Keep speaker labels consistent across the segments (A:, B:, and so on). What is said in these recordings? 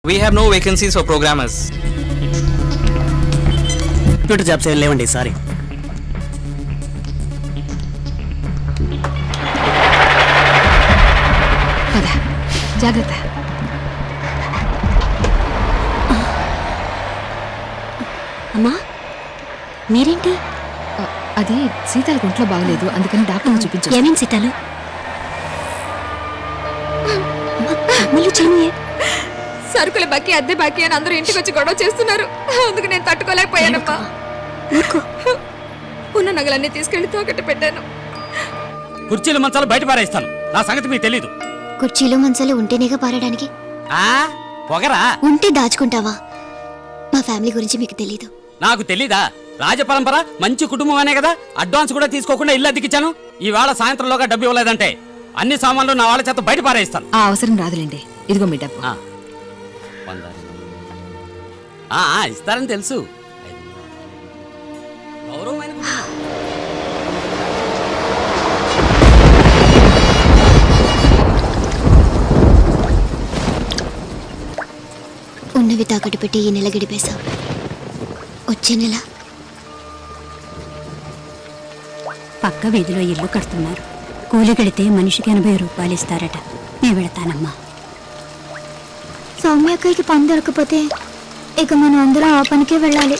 A: We have no vacancies for programmers.
B: Computer jobs ఏం లేవండి, sorry.
C: జాగ్రత్త.
D: అమ్మా మీరేంటి?
C: అది సీతాలకు ఒంట్లో బాగలేదు, అందుకని డాక్టర్ని చూపించాను.
D: ఏమేం సీతాలు?
C: సరుకుల బాకీ, అద్దె బాకీ అని అందరూ ఇంటికి వచ్చి గొడవ చేస్తున్నారు. అందుకు నేను తట్టుకోలేకపోయానమ్మా. ఉన్న నగలన్నీ తీసుకెళ్లి తాకట్టు పెట్టాను.
B: కుర్చీలు మంచాలు బయట పారేస్తాను, నా సంగతి మీకు తెలీదు.
D: కుర్చీలు మంచాలు ఉంటేనేగా పారడానికి.
B: పొగరా
D: ఉంటే దాచుకుంటావా? మా ఫ్యామిలీ గురించి మీకు తెలీదు.
B: నాకు తెలీదా? రాజపరంపర మంచి కుటుంబం అనే కదా అడ్వాన్స్ కూడా తీసుకోకుండా ఇల్లు అద్దెకిచ్చాను. ఈవేళ సాయంత్రంలోగా డబ్బు ఇవ్వలేదంటే అన్ని సామాన్లు నా వాళ్ళ చేత బయట పారేస్తాను.
C: ఆ అవసరం రాదులేండి, ఇదిగో మీ డబ్బు.
B: ఇస్తారని తెలుసు. గౌరవమైన
D: ఉన్నవి తాకట్టు పెట్టి ఈ నెల గడిపేశాం. వచ్చే నెల
E: పక్క వీధిలో ఇల్లు కడుతున్నారు. కూలి కడితే మనిషికి 80 రూపాయలు ఇస్తారట. నేను వెళతానమ్మా.
D: సౌమ్యక్కకి పని దొరకపోతే ఇక మనం అందరం ఆ పనికే వెళ్ళాలి.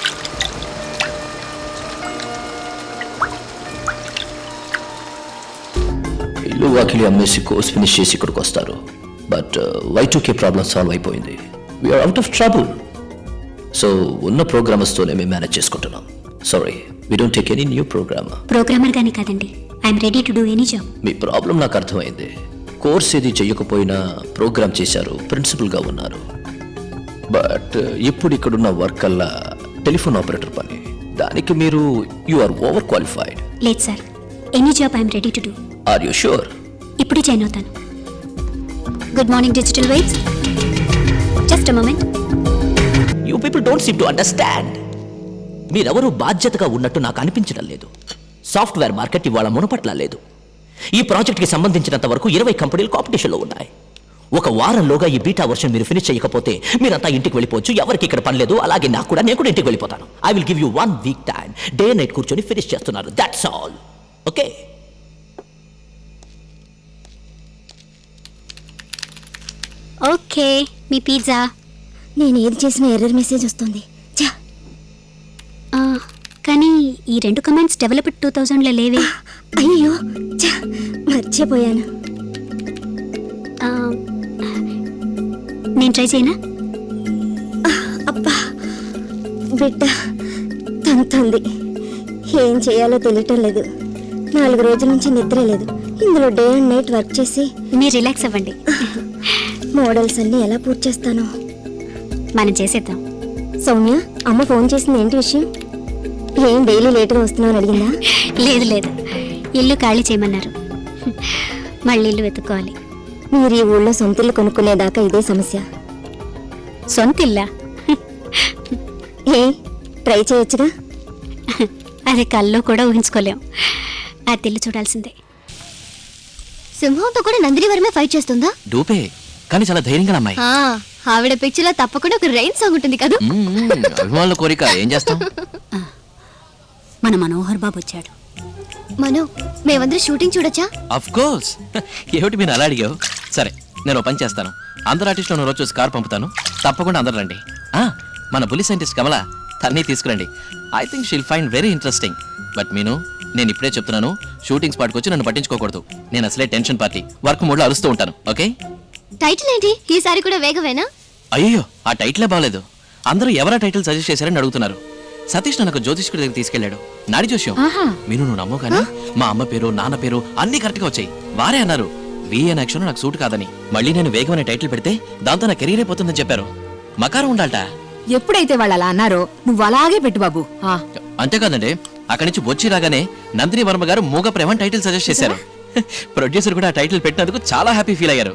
F: ఇల్లు వాకిలి అమ్మేసి కోర్స్ ఫినిష్ చేసి ఇక్కడికి వస్తారు. బట్ Y2K ప్రాబ్లం సాల్వ్ అయిపోయింది. We're out of trouble. So ఉన్న ప్రోగ్రామర్స్తోనే మేము మేనేజ్ చేసుకుంటున్నాం. Sorry, we don't take any new
E: programmer గానీ కాదండి. I'm ready to do any job.
F: మీ ప్రాబ్లం నాకు అర్థమైంది. కోర్స్ ఏది చెయ్యకపోయినా ప్రోగ్రామ్ చేశారు, ప్రిన్సిపల్గా ఉన్నారు. బట్ ఇప్పుడు ఇక్కడున్న వర్క్ అల్లా టెలిఫోన్ ఆపరేటర్ పని. దానికి మీరు యు ఆర్ ఓవర్ క్వాలిఫైడ్.
E: లేదు సార్, any job I'm ready to do.
F: Are you sure?
E: ఇప్పుడే జాయిన్ అవుతాను. Good morning digital waves. Just a moment.
F: You people don't seem to understand. మీరెవరూ బాధ్యతగా ఉన్నట్టు నాకు అనిపించడం లేదు. సాఫ్ట్వేర్ మార్కెట్ ఇవాళ మునపట్ల లేదు. ఈ ప్రాజెక్ట్కి సంబంధించినంత వరకు 20 కంపెనీలు కాంపిటీషన్లో ఉన్నాయి. ఒక వారంలోగా ఈ బీటా వర్షన్ మీరు ఫినిష్ చేయకపోతే మీరంతా ఇంటికి వెళ్ళిపోవచ్చు. ఎవరికి ఇక్కడ పని లేదు. అలాగే నాకు కూడా, నేను కూడా ఇంటికి వెళ్ళిపోతాను. I will give you 1 week time. Day night కూర్చొని ఫినిష్ చేస్తున్నారు. That's all. ఓకే?
E: ఓకే, మీ పిజ్జా.
D: నేను ఏది చేసిన ఎర్రర్ మెసేజ్ వస్తుంది.
E: కానీ ఈ 2 కమెంట్స్ డెవలప్డ్ 2000లో లేవే.
D: అయ్యో మర్చిపోయాను.
E: నేను ట్రై చేయనా?
D: అబ్బా బిడ్డ తంతుంది. ఏం చేయాలో తెలియటం లేదు. 4 రోజుల నుంచి నిద్ర లేదు. ఇందులో డే అండ్ నైట్ వర్క్ చేసి
E: మీరు రిలాక్స్ అవ్వండి.
D: మోడల్స్ అన్నీ ఎలా పూర్తి చేస్తాను?
E: మనం చేసేద్దాం.
D: సౌమ్య, అమ్మ ఫోన్ చేసింది, ఏంటి విషయం? ఏం డైలీ లేట్గా వస్తున్నావు అని అడిగిందా?
E: లేదు లేదు, ఇల్లు ఖాళీ చేయమన్నారు. మళ్ళీ ఇల్లు వెతుక్కోవాలి.
D: మీరు ఈ ఊళ్ళో సొంత ఇల్లు కొనుక్కునేదాకా ఇదే సమస్య.
E: సొంత ఇల్లా?
D: ఏ ట్రై చేయొచ్చుగా.
E: అది కల్లో కూడా ఊహించుకోలేం. ఆ ఇల్లు చూడాల్సిందే.
D: సింహంతో కూడా నందిని వరమే ఫైట్ చేస్తుందా?
F: డూపే, కానీ చాలా ధైర్యంగా అమ్మాయి.
D: ఆవిడ పిక్చర్ లో తప్పకుండా ఒక రైన్ సాంగ్ ఉంటుంది కదా.
F: అభిమానుల కోరిక, ఏం చేస్తాం.
E: మన మనోహర్ బాబు వచ్చాడు.
D: మనో, మేమందరం షూటింగ్ చూడొచ్చా?
F: Of course. ఏమిటి మీరు అలా అడిగావు? సరే, నేను ఓ పని చేస్తాను. అందరు ఆర్టిస్టులను రోజు చూసి కారు పంపుతాను. తప్పకుండా అందరు రండి. మన పులి సైంటిస్ట్ కమల, తన్ని తీసుకురండి. I think she'll find very interesting. But Meenu, నేను ఇప్పుడే చెప్తున్నాను, షూటింగ్ స్పాట్కి వచ్చి నన్ను పట్టించుకోకూడదు. నేను అసలే టెన్షన్ పార్టీ, వర్క్ మూడ్లో అరుస్తూ ఉంటాను. ఓకే?
D: టైటిల్ ఏంటి ఈసారి కూడా వేగవేనా?
F: అయ్యో, ఆ టైటిలే బాగలేదు. అందరూ ఎవరా టైటిల్ సజెస్ట్ చేశారని అడుగుతున్నారు. సతీష్ నన్ను జ్యోతిష్కుడి దగ్గర తీసుకెళ్లాడు. నాడి జోష్యం. మీను, నువ్వు నమ్మవు కానీ మా అమ్మ పేరు, నాన్న పేరు అన్ని కరెక్ట్గా వచ్చాయి. వారే అన్నారు విఎన్ యాక్షన్ నాకు సూట్ కాదని. మళ్ళీ నేను వేగం అనే టైటిల్ పెడితే దాంతో నా కెరీర్ అయిపోతుందని చెప్పారు. మకారం ఉండాలట.
C: ఎప్పుడైతే వాళ్ళు అలా అన్నారో నువ్వు అలాగే పెట్టు బాబు.
F: అంతేకాదండి, అక్కడి నుంచి వచ్చి రాగానే నందిని వర్మ గారు మూగ ప్రేమ టైటిల్ సజెస్ట్ చేశారు. ప్రొడ్యూసర్ కూడా ఆ టైటిల్ పెట్టినందుకు చాలా హ్యాపీ ఫీల్ అయ్యారు.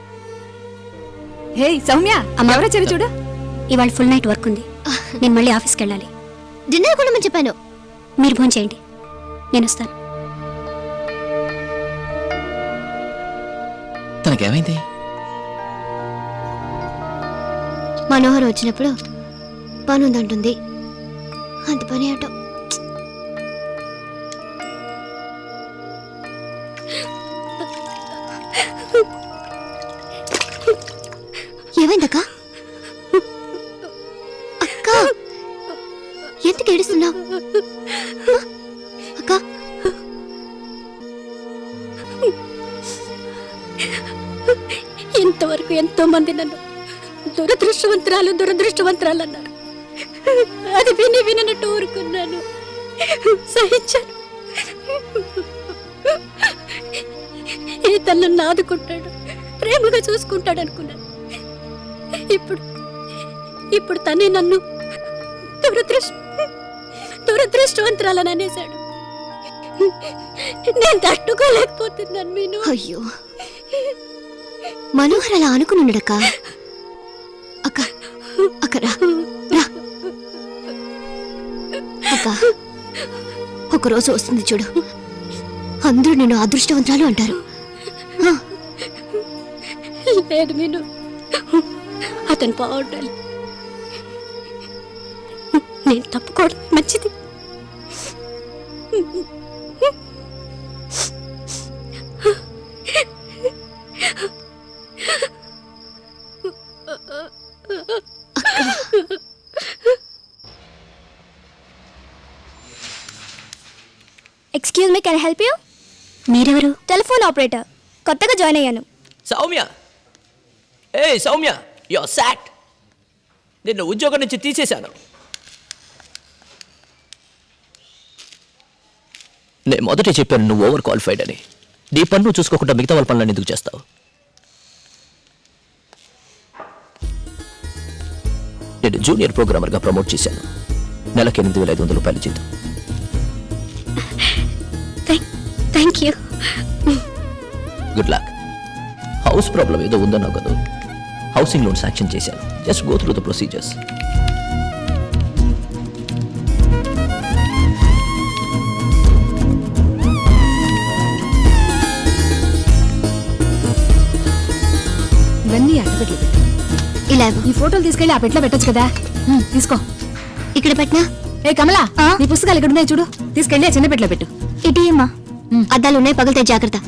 C: హే సౌమ్య, ఎవరొచ్చారు చూడు.
E: ఇవాళ ఫుల్ నైట్ వర్క్ ఉంది. నేను మళ్ళీ ఆఫీస్కి వెళ్ళాలి.
D: డిన్నర్ కూడా నేను చెప్పాను.
E: మీరు ఫోన్ చేయండి, నేను వస్తాను.
F: తనకేమైంది?
D: మనోహర్ వచ్చినప్పుడు పని ఉందంటుంది. అంత పని అటో. ఏమైందక్క? అక్క ఎందుకు ఏడుస్తున్నావు? అక్క
G: ఇంతవరకు ఎంతో మంది నన్ను దురదృష్టవంతురాలు అన్నారు. అది వినట్టు ఊరుకున్నాను, సహించాను. ఈ తనను ఆదుకుంటాడు, ప్రేమగా చూసుకుంటాడు అనుకున్నాను. ఇప్పుడు తనే నన్ను దురదృష్టవంతురాలని అనేశాడు. నేను తట్టుకోలేకపోతున్నాను మీను.
D: అయ్యో, మనోహర్ అలా అనుకున్నాడక్క. అక్క అక్క రా రా. అక్క ఒకరోజు వస్తుంది చూడు, అందరూ నిన్ను అదృష్టవంతురాలు అంటారు.
G: లేదు మీను, అతను బాగుండాలి. నేను తప్పుకోవడం మంచిది.
D: Excuse me, can I help you?
E: మీరెవరు?
D: టెలిఫోన్ ఆపరేటర్, కొత్తగా జాయిన్ అయ్యాను.
F: సౌమ్య, ఏ సౌమ్య, యువర్ సాక్డ్. నిన్ను ఉద్యోగం నుంచి తీసేశాను. నేను మొదటే చెప్పాను నువ్వు ఓవర్ క్వాలిఫైడ్ అని. నీ పన్ను చూసుకోకుండా మిగతా వాళ్ళ పనులను ఎందుకు చేస్తావు? నేను జూనియర్ ప్రోగ్రామర్గా ప్రమోట్ చేశాను. నెలకి 8,500 రూపాయలు జీతం.
G: Thank you.
F: Good luck. House problem ఏదో ఉందన్నావు కదా, హౌసింగ్ లోన్ శాంక్షన్ చేశాను. Just go through the procedures.
C: ఇవన్నీ అట్టపెట్లు పెట్టు.
D: ఇలా
C: ఈ ఫోటోలు తీసుకెళ్లి ఆ పెట్లో పెట్టొచ్చు కదా. తీసుకో.
D: ఇక్కడ పెట్టినా.
C: ఏ కమలా, నీ పుస్తకాలు ఇక్కడ ఉన్నాయి చూడు, తీసుకెళ్లి ఆ చిన్న పెట్లో పెట్టు.
D: ఇటీ అమ్మా, అద్దాలు ఉన్నాయి, పగిలితే జాగ్రత్త.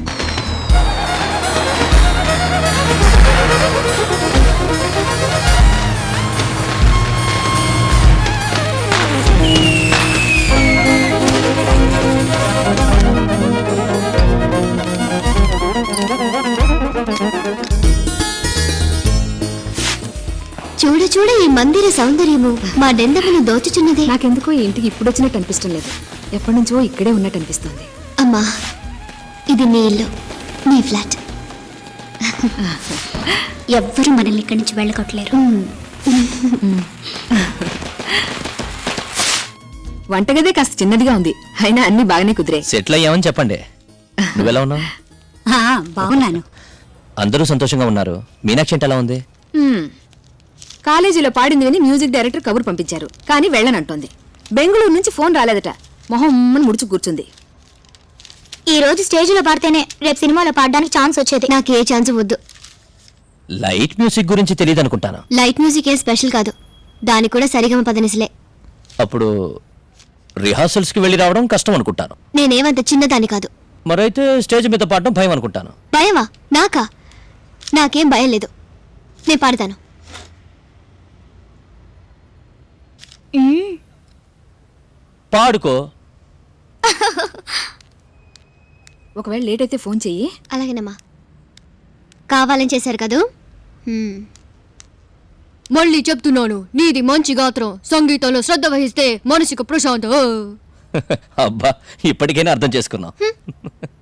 D: చూడ చూడ ఈ మందిర సౌందర్యము మా డెందమును దోచుచున్నది.
C: నాకెందుకో ఈ ఇంటికి ఇప్పుడు వచ్చినట్టు అనిపిష్టం లేదు, ఎప్పటి నుంచో ఇక్కడే ఉన్నట్టు అనిపిస్తుంది.
D: అమ్మా, ఇది నీ ఇల్లు, నీ ఫ్లాట్.
E: ఎవ్వరూ మనల్ని ఇక్కడి నుంచి వెళ్ళగొట్టలేరు.
C: వంటగదే కాస్త చిన్నదిగా ఉంది, అయినా అన్ని బాగానే కుదిరే.
F: సెటిల్ అయ్యామని చెప్పండి. నువ్వెలా ఉన్నావు?
E: బాగున్నాను.
F: అందరూ సంతోషంగా ఉన్నారు. మీనాక్షి అంటే ఎలా ఉంది?
C: కాలేజీలో పాడింది విని మ్యూజిక్ డైరెక్టర్ కబురు పంపించారు, కానీ వెళ్ళనంటోంది. బెంగళూరు నుంచి ఫోన్ రాలేదట, మొహం ముడుచు కూర్చుంది.
D: ఈ రోజు స్టేజ్లో పాడితేనే రేపు సినిమాలో పాడడానికి ఛాన్స్ వచ్చేది. నాకు ఏ ఛాన్స్ వద్దు.
F: లైట్ మ్యూజిక్ గురించి తెలియదు అనుకుంటాను.
D: లైట్ మ్యూజిక్ ఏ స్పెషల్ కాదు, దానికి కూడా సరిగమ పదనిసలే.
F: అప్పుడు రిహార్సల్స్కి వెళ్ళి రావడం కష్టం అనుకుంటాను.
D: నేనేమంత చిన్నదాన్ని కాదు.
F: మరైతే స్టేజ్ మీద పాడడం భయం అనుకుంటాను.
D: భయమా? నాకా? నాకేం భయం లేదు, నేను పాడతాను.
F: పాడుకో.
C: ఒకవేళ లేట్ అయితే ఫోన్ చెయ్యి.
D: అలాగేనమ్మా. కావాలని చేశారు కదూ. మళ్ళీ చెప్తున్నాను, నీది మంచి గాత్రం, సంగీతంలో శ్రద్ధ వహిస్తే మనసుకు ప్రశాంతం.
F: అబ్బా, ఇప్పటికైనా అర్థం చేసుకున్నాం.